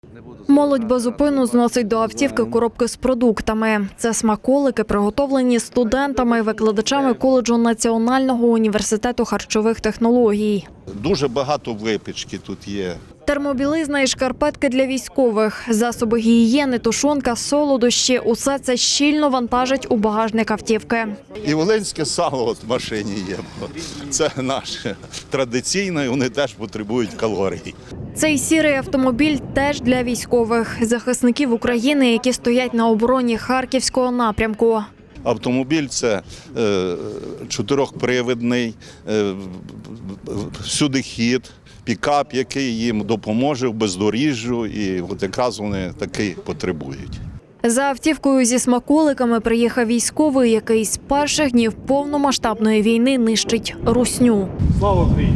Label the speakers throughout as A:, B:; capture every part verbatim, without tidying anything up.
A: Молодь безупину зносить до автівки коробки з продуктами. Це смаколики, приготовлені студентами і викладачами коледжу Національного університету харчових технологій.
B: Дуже багато випічки тут є.
A: Термобілизна і шкарпетки для військових, засоби гігієни, тушонка, солодощі – усе це щільно вантажить у багажник автівки.
B: І волинське сало от в машині є. Це наше традиційне, і вони теж потребують калорій.
A: Цей сірий автомобіль теж для військових, захисників України, які стоять на обороні Харківського напрямку.
B: Автомобіль – це е, чотирьохпривідний, е, всюдихід, пікап, який їм допоможе в бездоріжжю, і от якраз вони такий потребують.
A: За автівкою зі смаколиками приїхав військовий, який з перших днів повномасштабної війни нищить русню.
C: Слава Україні!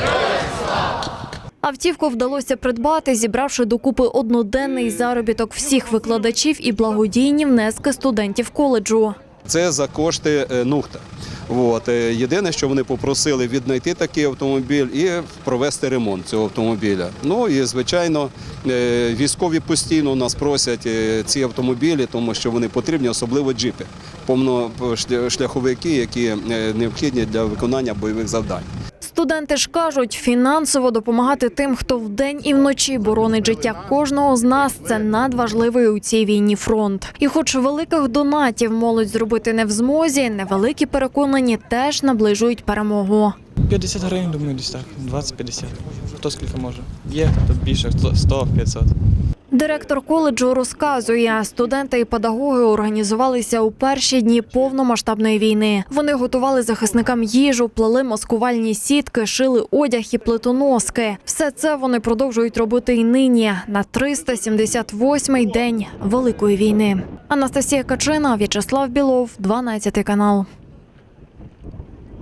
A: Автівку вдалося придбати, зібравши докупи одноденний заробіток всіх викладачів і благодійні внески студентів коледжу.
D: Це за кошти НУХТа. От. Єдине, що вони попросили віднайти такий автомобіль і провести ремонт цього автомобіля. Ну і, звичайно, військові постійно у нас просять ці автомобілі, тому що вони потрібні, особливо джипи, повношляховики, які необхідні для виконання бойових завдань.
A: Студенти ж кажуть, фінансово допомагати тим, хто вдень і вночі боронить життя кожного з нас – це надважливий у цій війні фронт. І хоч великих донатів молодь зробити не в змозі, невеликі переконані теж наближують перемогу.
C: п'ятдесят гривень, думаю, десь так, двадцять-п'ятдесят. Хто скільки може. Є, хто більше, хто сто-п'ятсот.
A: Директор коледжу розказує, студенти і педагоги організувалися у перші дні повномасштабної війни. Вони готували захисникам їжу, плели маскувальні сітки, шили одяг і плитоноски. Все це вони продовжують робити і нині, на триста сімдесят восьмий день Великої війни. Анастасія Качина, В'ячеслав Білов, дванадцятий канал.